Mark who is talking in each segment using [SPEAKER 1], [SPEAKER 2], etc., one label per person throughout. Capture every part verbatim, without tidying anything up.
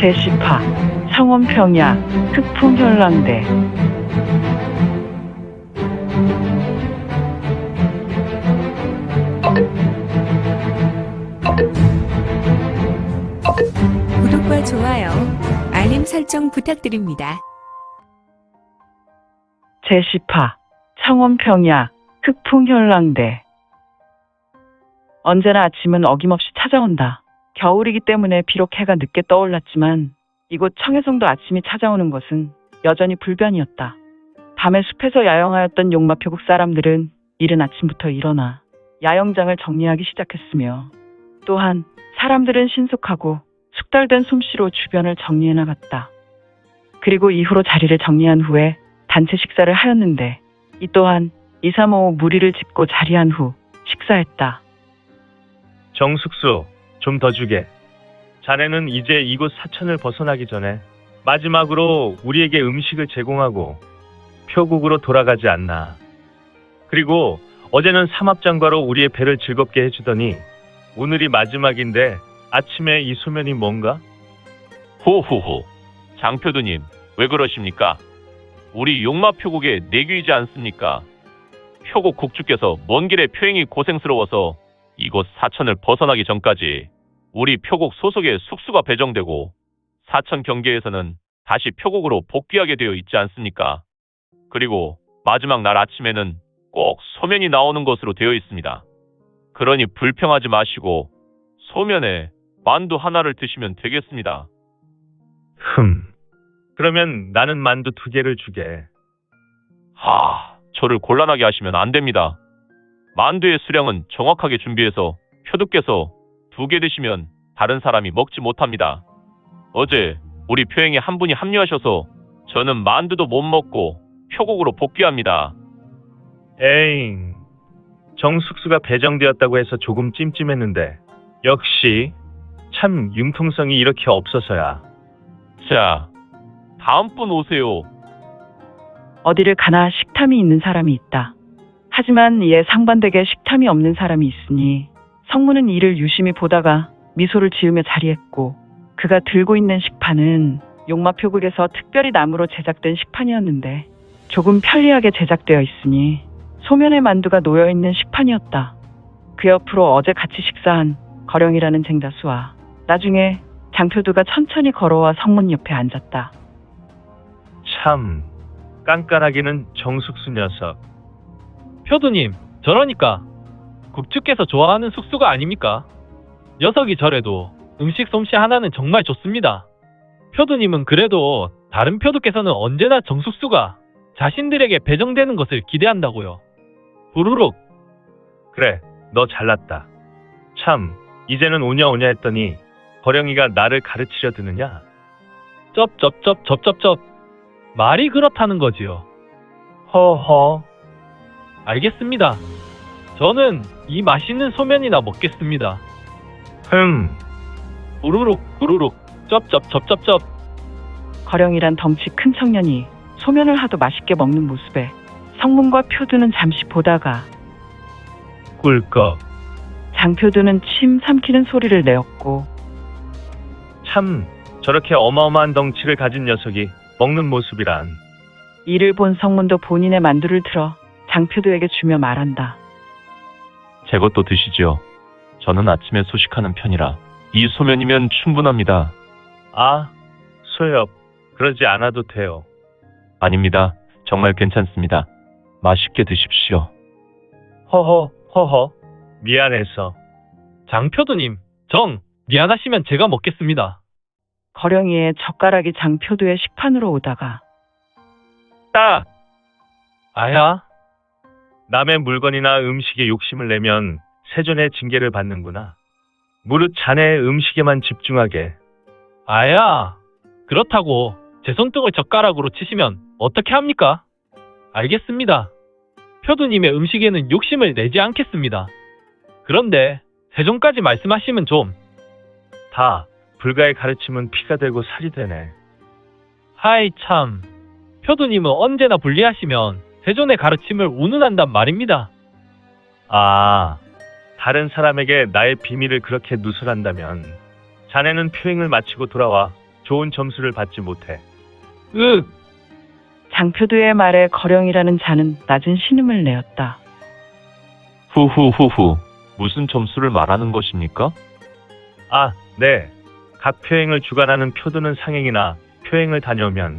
[SPEAKER 1] 제시파, 창원평야, 흑풍현랑대.
[SPEAKER 2] 구독과 좋아요, 알림 설정 부탁드립니다.
[SPEAKER 1] 제시파, 창원평야, 흑풍현랑대. 언제나 아침은 어김없이 찾아온다. 겨울이기 때문에 비록 해가 늦게 떠올랐지만 이곳 청해성도 아침이 찾아오는 것은 여전히 불변이었다. 밤에 숲에서 야영하였던 용마표국 사람들은 이른 아침부터 일어나 야영장을 정리하기 시작했으며, 또한 사람들은 신속하고 숙달된 솜씨로 주변을 정리해 나갔다. 그리고 이후로 자리를 정리한 후에 단체 식사를 하였는데, 이 또한 이삼오오 무리를 짚고 자리한 후 식사했다.
[SPEAKER 3] 정숙수, 좀 더 주게. 자네는 이제 이곳 사천을 벗어나기 전에 마지막으로 우리에게 음식을 제공하고 표국으로 돌아가지 않나. 그리고 어제는 삼합장과로 우리의 배를 즐겁게 해주더니 오늘이 마지막인데 아침에 이 소면이 뭔가?
[SPEAKER 4] 호호호, 장표두님, 왜 그러십니까? 우리 용마표국의 내규이지 않습니까? 표국 국주께서 먼 길에 표행이 고생스러워서 이곳 사천을 벗어나기 전까지 우리 표국 소속의 숙수가 배정되고 사천 경계에서는 다시 표국으로 복귀하게 되어 있지 않습니까? 그리고 마지막 날 아침에는 꼭 소면이 나오는 것으로 되어 있습니다. 그러니 불평하지 마시고 소면에 만두 하나를 드시면 되겠습니다.
[SPEAKER 3] 흠. 그러면 나는 만두 두 개를 주게.
[SPEAKER 4] 하, 저를 곤란하게 하시면 안 됩니다. 만두의 수량은 정확하게 준비해서 표두께서 두 개 드시면 다른 사람이 먹지 못합니다. 어제 우리 표행에 한 분이 합류하셔서 저는 만두도 못 먹고 표국으로 복귀합니다.
[SPEAKER 3] 에잉. 정숙수가 배정되었다고 해서 조금 찜찜했는데 역시 참 융통성이 이렇게 없어서야.
[SPEAKER 4] 자, 다음 분 오세요.
[SPEAKER 1] 어디를 가나 식탐이 있는 사람이 있다. 하지만 이에 상반되게 식탐이 없는 사람이 있으니 성문은 이를 유심히 보다가 미소를 지으며 자리했고, 그가 들고 있는 식판은 용마표국에서 특별히 나무로 제작된 식판이었는데 조금 편리하게 제작되어 있으니 소면의 만두가 놓여있는 식판이었다. 그 옆으로 어제 같이 식사한 거령이라는 쟁자수와 나중에 장표두가 천천히 걸어와 성문 옆에 앉았다.
[SPEAKER 3] 참 깐깐하기는 정숙수 녀석.
[SPEAKER 5] 표두님, 저러니까 국주께서 좋아하는 숙수가 아닙니까? 녀석이 저래도 음식 솜씨 하나는 정말 좋습니다. 표두님은 그래도 다른 표두께서는 언제나 정숙수가 자신들에게 배정되는 것을 기대한다고요. 부르륵.
[SPEAKER 3] 그래, 너 잘났다. 참, 이제는 오냐 오냐 했더니 거령이가 나를 가르치려 드느냐?
[SPEAKER 5] 쩝쩝쩝 쩝쩝쩝. 말이 그렇다는 거지요.
[SPEAKER 3] 허허.
[SPEAKER 5] 알겠습니다. 저는 이 맛있는 소면이나 먹겠습니다.
[SPEAKER 3] 흠.
[SPEAKER 5] 부르륵 부르륵 쩝쩝쩝쩝쩝.
[SPEAKER 1] 거령이란 덩치 큰 청년이 소면을 하도 맛있게 먹는 모습에 성문과 표두는 잠시 보다가
[SPEAKER 3] 꿀꺽.
[SPEAKER 1] 장표두는 침 삼키는 소리를 내었고,
[SPEAKER 3] 참, 저렇게 어마어마한 덩치를 가진 녀석이 먹는 모습이란.
[SPEAKER 1] 이를 본 성문도 본인의 만두를 들어 장표두에게 주며 말한다.
[SPEAKER 4] 제 것도 드시죠. 저는 아침에 소식하는 편이라 이 소면이면 충분합니다.
[SPEAKER 3] 아, 소엽. 그러지 않아도 돼요.
[SPEAKER 4] 아닙니다. 정말 괜찮습니다. 맛있게 드십시오.
[SPEAKER 3] 허허, 허허. 미안해서.
[SPEAKER 5] 장표두님, 정 미안하시면 제가 먹겠습니다.
[SPEAKER 1] 거령이의 젓가락이 장표두의 식판으로 오다가
[SPEAKER 3] 딱!
[SPEAKER 5] 아야,
[SPEAKER 3] 남의 물건이나 음식에 욕심을 내면 세존의 징계를 받는구나. 무릇 자네의 음식에만 집중하게.
[SPEAKER 5] 아야. 그렇다고 제 손등을 젓가락으로 치시면 어떻게 합니까? 알겠습니다. 표두님의 음식에는 욕심을 내지 않겠습니다. 그런데 세존까지 말씀하시면 좀.
[SPEAKER 3] 다 불가의 가르침은 피가 되고 살이 되네.
[SPEAKER 5] 하이 참. 표두님은 언제나 불리하시면 세존의 가르침을 운운한단 말입니다.
[SPEAKER 3] 아, 다른 사람에게 나의 비밀을 그렇게 누설한다면 자네는 표행을 마치고 돌아와 좋은 점수를 받지 못해.
[SPEAKER 5] 윽!
[SPEAKER 1] 장표두의 말에 거령이라는 자는 낮은 신음을 내었다.
[SPEAKER 4] 후후후후. 무슨 점수를 말하는 것입니까?
[SPEAKER 3] 아, 네. 각 표행을 주관하는 표두는 상행이나 표행을 다녀오면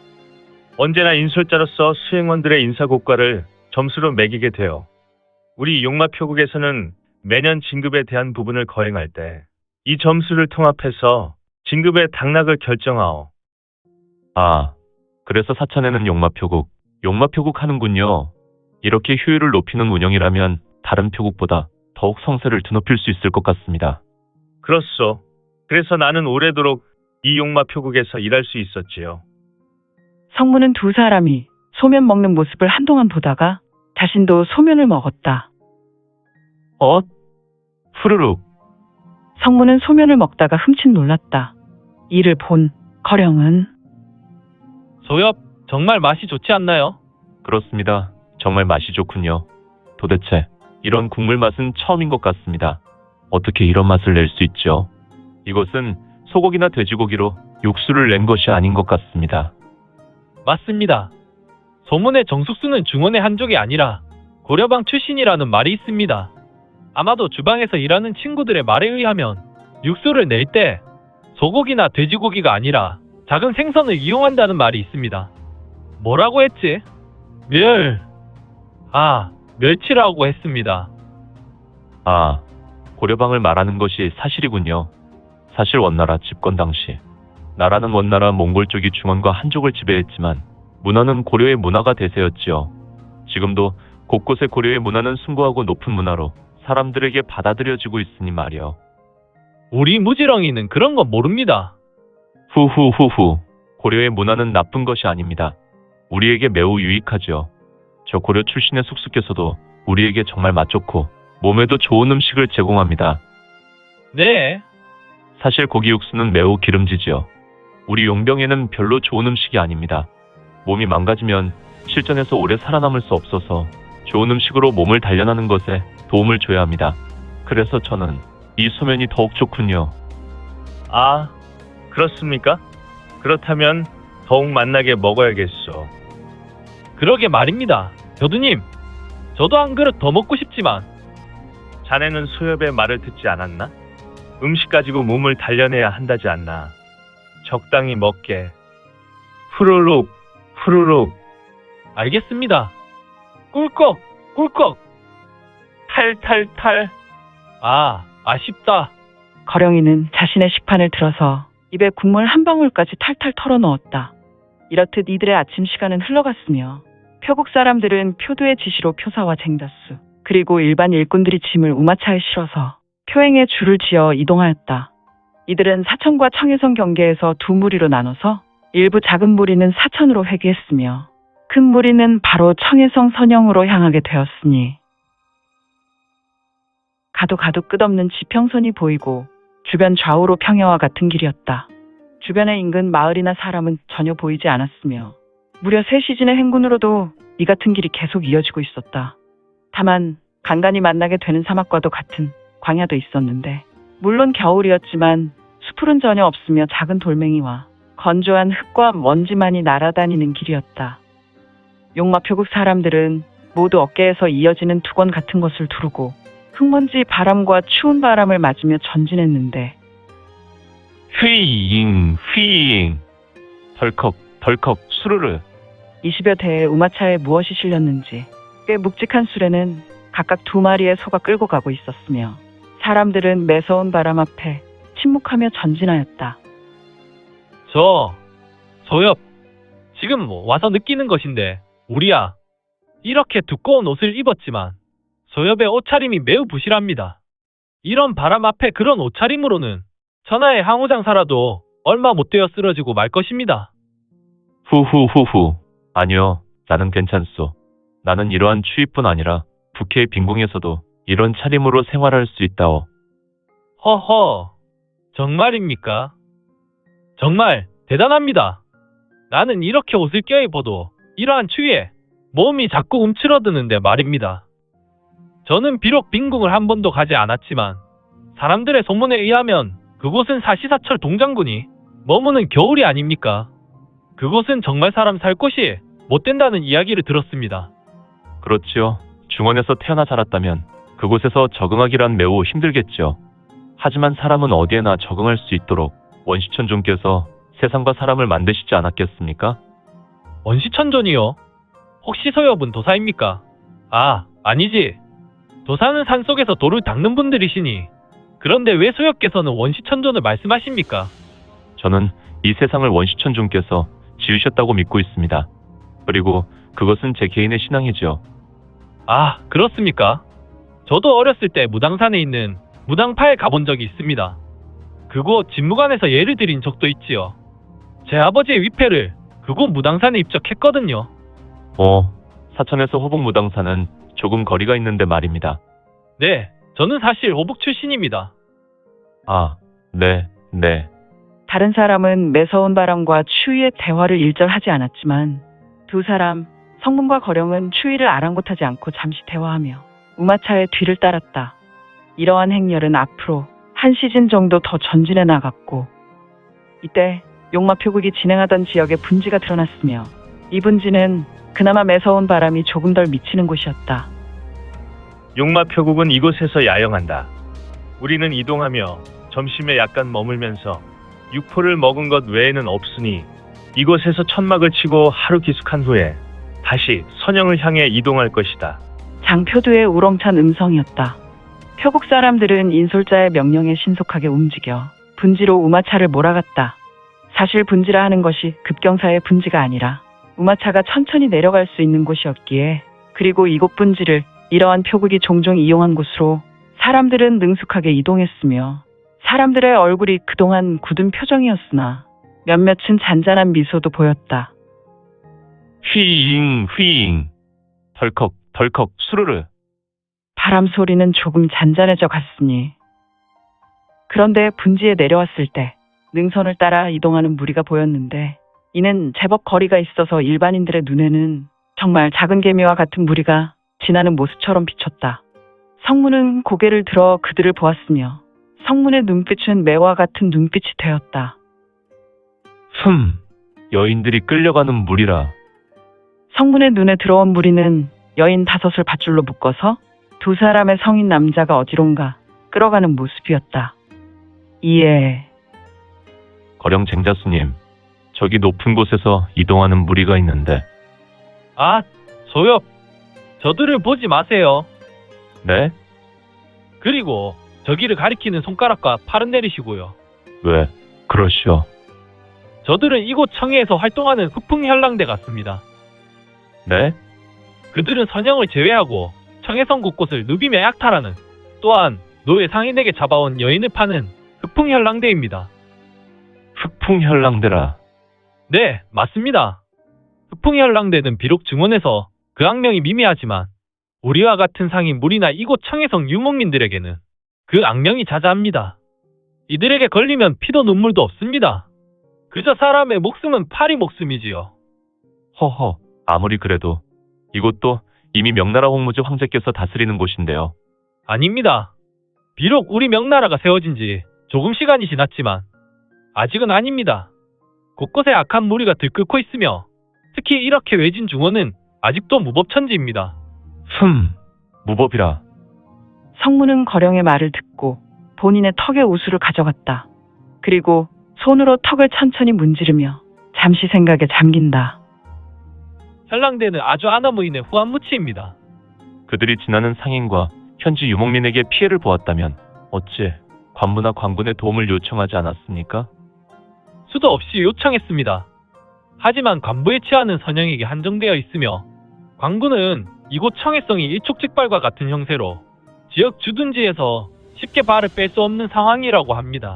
[SPEAKER 3] 언제나 인솔자로서 수행원들의 인사고과를 점수로 매기게 돼요. 우리 용마표국에서는 매년 진급에 대한 부분을 거행할 때 이 점수를 통합해서 진급의 당락을 결정하오.
[SPEAKER 4] 아, 그래서 사천에는 용마표국, 용마표국 하는군요. 이렇게 효율을 높이는 운영이라면 다른 표국보다 더욱 성세를 드높일 수 있을 것 같습니다.
[SPEAKER 3] 그렇소. 그래서 나는 오래도록 이 용마표국에서 일할 수 있었지요.
[SPEAKER 1] 성문은 두 사람이 소면 먹는 모습을 한동안 보다가 자신도 소면을 먹었다.
[SPEAKER 4] 어? 후루룩.
[SPEAKER 1] 성문은 소면을 먹다가 흠칫 놀랐다. 이를 본 거령은
[SPEAKER 5] 소엽, 정말 맛이 좋지 않나요?
[SPEAKER 4] 그렇습니다. 정말 맛이 좋군요. 도대체 이런 국물 맛은 처음인 것 같습니다. 어떻게 이런 맛을 낼 수 있죠? 이것은 소고기나 돼지고기로 육수를 낸 것이 아닌 것 같습니다.
[SPEAKER 5] 맞습니다. 소문의 정숙수는 중원의 한족이 아니라 고려방 출신이라는 말이 있습니다. 아마도 주방에서 일하는 친구들의 말에 의하면 육수를 낼 때 소고기나 돼지고기가 아니라 작은 생선을 이용한다는 말이 있습니다. 뭐라고 했지? 멸. 아, 멸치라고 했습니다.
[SPEAKER 4] 아, 고려방을 말하는 것이 사실이군요. 사실 원나라 집권 당시 나라는 원나라 몽골 쪽이 중원과 한족을 지배했지만 문화는 고려의 문화가 대세였지요. 지금도 곳곳에 고려의 문화는 숭고하고 높은 문화로 사람들에게 받아들여지고 있으니 말이요.
[SPEAKER 5] 우리 무지렁이는 그런 거 모릅니다.
[SPEAKER 4] 후후후후. 고려의 문화는 나쁜 것이 아닙니다. 우리에게 매우 유익하죠. 저 고려 출신의 숙숙께서도 우리에게 정말 맛 좋고 몸에도 좋은 음식을 제공합니다.
[SPEAKER 5] 네.
[SPEAKER 4] 사실 고기 육수는 매우 기름지지요. 우리 용병에는 별로 좋은 음식이 아닙니다. 몸이 망가지면 실전에서 오래 살아남을 수 없어서 좋은 음식으로 몸을 단련하는 것에 도움을 줘야 합니다. 그래서 저는 이 소면이 더욱 좋군요.
[SPEAKER 3] 아, 그렇습니까? 그렇다면 더욱 맛나게 먹어야겠소.
[SPEAKER 5] 그러게 말입니다. 교두님, 저도 한 그릇 더 먹고 싶지만
[SPEAKER 3] 자네는 소엽의 말을 듣지 않았나? 음식 가지고 몸을 단련해야 한다지 않나. 적당히 먹게. 후루룩, 후루룩.
[SPEAKER 5] 알겠습니다. 꿀꺽, 꿀꺽.
[SPEAKER 3] 탈탈탈.
[SPEAKER 5] 아, 아쉽다.
[SPEAKER 1] 거령이는 자신의 식판을 들어서 입에 국물 한 방울까지 탈탈 털어넣었다. 이렇듯 이들의 아침 시간은 흘러갔으며 표국 사람들은 표두의 지시로 표사와 쟁다수 그리고 일반 일꾼들이 짐을 우마차에 실어서 표행에 줄을 지어 이동하였다. 이들은 사천과 청해성 경계에서 두 무리로 나눠서 일부 작은 무리는 사천으로 회귀했으며 큰 무리는 바로 청해성 선영으로 향하게 되었으니 가도 가도 끝없는 지평선이 보이고 주변 좌우로 평야와 같은 길이었다. 주변의 인근 마을이나 사람은 전혀 보이지 않았으며 무려 세 시즌의 행군으로도 이 같은 길이 계속 이어지고 있었다. 다만 간간히 만나게 되는 사막과도 같은 광야도 있었는데 물론 겨울이었지만 수풀은 전혀 없으며 작은 돌멩이와 건조한 흙과 먼지만이 날아다니는 길이었다. 용마표국 사람들은 모두 어깨에서 이어지는 두건 같은 것을 두르고 흙먼지 바람과 추운 바람을 맞으며 전진했는데
[SPEAKER 4] 휘잉 휘잉. 덜컥 덜컥 수르르.
[SPEAKER 1] 이십여 대의 우마차에 무엇이 실렸는지 꽤 묵직한 수레는 각각 두 마리의 소가 끌고 가고 있었으며 사람들은 매서운 바람 앞에 침묵하며 전진하였다.
[SPEAKER 5] 저, 소엽, 지금 뭐 와서 느끼는 것인데 우리야 이렇게 두꺼운 옷을 입었지만 소엽의 옷차림이 매우 부실합니다. 이런 바람 앞에 그런 옷차림으로는 천하의 항우장사라도 얼마 못 되어 쓰러지고 말 것입니다.
[SPEAKER 4] 후후후후. 아니요, 나는 괜찮소. 나는 이러한 추위뿐 아니라 북해의 빈궁에서도 이런 차림으로 생활할 수 있다오.
[SPEAKER 5] 허허, 정말입니까? 정말 대단합니다. 나는 이렇게 옷을 껴입어도 이러한 추위에 몸이 자꾸 움츠러드는데 말입니다. 저는 비록 빈궁을 한 번도 가지 않았지만 사람들의 소문에 의하면 그곳은 사시사철 동장군이 머무는 겨울이 아닙니까? 그곳은 정말 사람 살 곳이 못 된다는 이야기를 들었습니다.
[SPEAKER 4] 그렇지요. 중원에서 태어나 자랐다면 그곳에서 적응하기란 매우 힘들겠죠. 하지만 사람은 어디에나 적응할 수 있도록 원시천존께서 세상과 사람을 만드시지 않았겠습니까?
[SPEAKER 5] 원시천존이요? 혹시 소엽은 도사입니까? 아, 아니지. 도사는 산속에서 돌을 닦는 분들이시니. 그런데 왜 소엽께서는 원시천존을 말씀하십니까?
[SPEAKER 4] 저는 이 세상을 원시천존께서 지으셨다고 믿고 있습니다. 그리고 그것은 제 개인의 신앙이죠.
[SPEAKER 5] 아, 그렇습니까? 저도 어렸을 때 무당산에 있는 무당파에 가본 적이 있습니다. 그곳 진무관에서 예를 드린 적도 있지요. 제 아버지의 위패를 그곳 무당산에 입적했거든요.
[SPEAKER 4] 어, 사천에서 호북무당산은 조금 거리가 있는데 말입니다.
[SPEAKER 5] 네, 저는 사실 호북 출신입니다.
[SPEAKER 4] 아, 네, 네.
[SPEAKER 1] 다른 사람은 매서운 바람과 추위의 대화를 일절하지 않았지만 두 사람, 성문과 거령은 추위를 아랑곳하지 않고 잠시 대화하며 우마차의 뒤를 따랐다. 이러한 행렬은 앞으로 한 시즌 정도 더 전진해 나갔고 이때 용마 표국이 진행하던 지역에 분지가 드러났으며 이 분지는 그나마 매서운 바람이 조금 덜 미치는 곳이었다.
[SPEAKER 3] 용마 표국은 이곳에서 야영한다. 우리는 이동하며 점심에 약간 머물면서 육포를 먹은 것 외에는 없으니 이곳에서 천막을 치고 하루 기숙한 후에 다시 선영을 향해 이동할 것이다.
[SPEAKER 1] 장표두의 우렁찬 음성이었다. 표국 사람들은 인솔자의 명령에 신속하게 움직여 분지로 우마차를 몰아갔다. 사실 분지라 하는 것이 급경사의 분지가 아니라 우마차가 천천히 내려갈 수 있는 곳이었기에 그리고 이곳 분지를 이러한 표국이 종종 이용한 곳으로 사람들은 능숙하게 이동했으며 사람들의 얼굴이 그동안 굳은 표정이었으나 몇몇은 잔잔한 미소도 보였다.
[SPEAKER 4] 휘잉, 휘잉. 덜컥, 덜컥, 수르르.
[SPEAKER 1] 바람 소리는 조금 잔잔해져 갔으니 그런데 분지에 내려왔을 때 능선을 따라 이동하는 무리가 보였는데 이는 제법 거리가 있어서 일반인들의 눈에는 정말 작은 개미와 같은 무리가 지나는 모습처럼 비쳤다. 성문은 고개를 들어 그들을 보았으며 성문의 눈빛은 매와 같은 눈빛이 되었다.
[SPEAKER 4] 흠, 여인들이 끌려가는 물이라.
[SPEAKER 1] 성문의 눈에 들어온 무리는 여인 다섯을 밧줄로 묶어서 두 사람의 성인 남자가 어디론가 끌어가는 모습이었다. 이에
[SPEAKER 4] 거령 쟁자수님, 저기 높은 곳에서 이동하는 무리가 있는데.
[SPEAKER 5] 아, 소엽. 저들을 보지 마세요.
[SPEAKER 4] 네?
[SPEAKER 5] 그리고 저기를 가리키는 손가락과 팔은 내리시고요.
[SPEAKER 4] 왜, 그러시오.
[SPEAKER 5] 저들은 이곳 청해에서 활동하는 흑풍현랑대 같습니다.
[SPEAKER 4] 네?
[SPEAKER 5] 그들은 선영을 제외하고 청해성 곳곳을 누비며 약탈하는 또한 노예 상인에게 잡아온 여인을 파는 흑풍현랑대입니다.
[SPEAKER 4] 흑풍현랑대라.
[SPEAKER 5] 네, 맞습니다. 흑풍현랑대는 비록 증원에서 그 악명이 미미하지만 우리와 같은 상인 무리나 이곳 청해성 유목민들에게는 그 악명이 자자합니다. 이들에게 걸리면 피도 눈물도 없습니다. 그저 사람의 목숨은 파리 목숨이지요.
[SPEAKER 4] 허허, 아무리 그래도 이곳도 이미 명나라 홍무지 황제께서 다스리는 곳인데요.
[SPEAKER 5] 아닙니다. 비록 우리 명나라가 세워진 지 조금 시간이 지났지만 아직은 아닙니다. 곳곳에 악한 무리가 들끓고 있으며 특히 이렇게 외진 중원은 아직도 무법천지입니다.
[SPEAKER 4] 흠, 무법이라.
[SPEAKER 1] 성문은 거령의 말을 듣고 본인의 턱에 우수를 가져갔다. 그리고 손으로 턱을 천천히 문지르며 잠시 생각에 잠긴다.
[SPEAKER 5] 현랑대는 아주 아나무인의 후한무치입니다.
[SPEAKER 4] 그들이 지나는 상인과 현지 유목민에게 피해를 보았다면 어찌 관부나 관군의 도움을 요청하지 않았습니까?
[SPEAKER 5] 수도 없이 요청했습니다. 하지만 관부의 치안은 선영에게 한정되어 있으며 관군은 이곳 청해성이 일촉즉발과 같은 형세로 지역 주둔지에서 쉽게 발을 뺄 수 없는 상황이라고 합니다.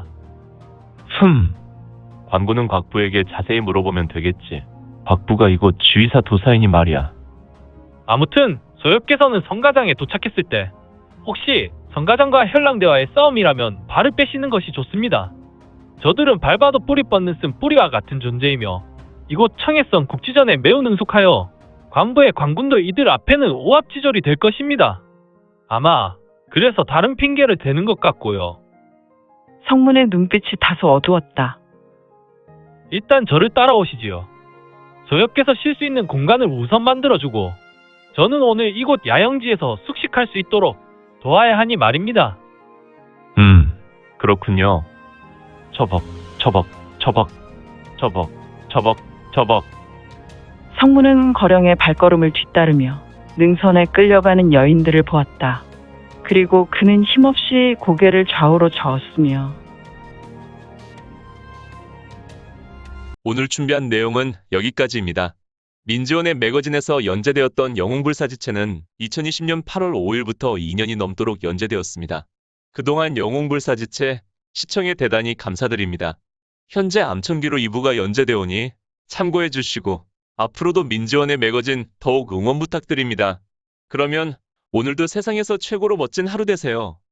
[SPEAKER 4] 흠, 관군은 곽부에게 자세히 물어보면 되겠지. 곽부가 이곳 주의사 도사이니 말이야.
[SPEAKER 5] 아무튼 소엽께서는 성가장에 도착했을 때 혹시 성가장과 현랑대와의 싸움이라면 발을 빼시는 것이 좋습니다. 저들은 밟아도 뿌리 뻗는 쓴 뿌리와 같은 존재이며 이곳 청해성 국지전에 매우 능숙하여 관부의 관군도 이들 앞에는 오합지졸이 될 것입니다. 아마 그래서 다른 핑계를 대는 것 같고요.
[SPEAKER 1] 성문의 눈빛이 다소 어두웠다.
[SPEAKER 5] 일단 저를 따라오시지요. 저역께서 쉴 수 있는 공간을 우선 만들어주고 저는 오늘 이곳 야영지에서 숙식할 수 있도록 도와야 하니 말입니다.
[SPEAKER 4] 음, 그렇군요. 처벅, 처벅, 처벅, 처벅, 처벅, 처벅.
[SPEAKER 1] 성문은 거령의 발걸음을 뒤따르며 능선에 끌려가는 여인들을 보았다. 그리고 그는 힘없이 고개를 좌우로 저었으며
[SPEAKER 6] 오늘 준비한 내용은 여기까지입니다. 민지원의 매거진에서 연재되었던 영웅불사지체는 이천이십 년 팔월 오일부터 이 년이 넘도록 연재되었습니다. 그동안 영웅불사지체 시청에 대단히 감사드립니다. 현재 암천기로 이 부가 연재되오니 참고해 주시고 앞으로도 민지원의 매거진 더욱 응원 부탁드립니다. 그러면 오늘도 세상에서 최고로 멋진 하루 되세요.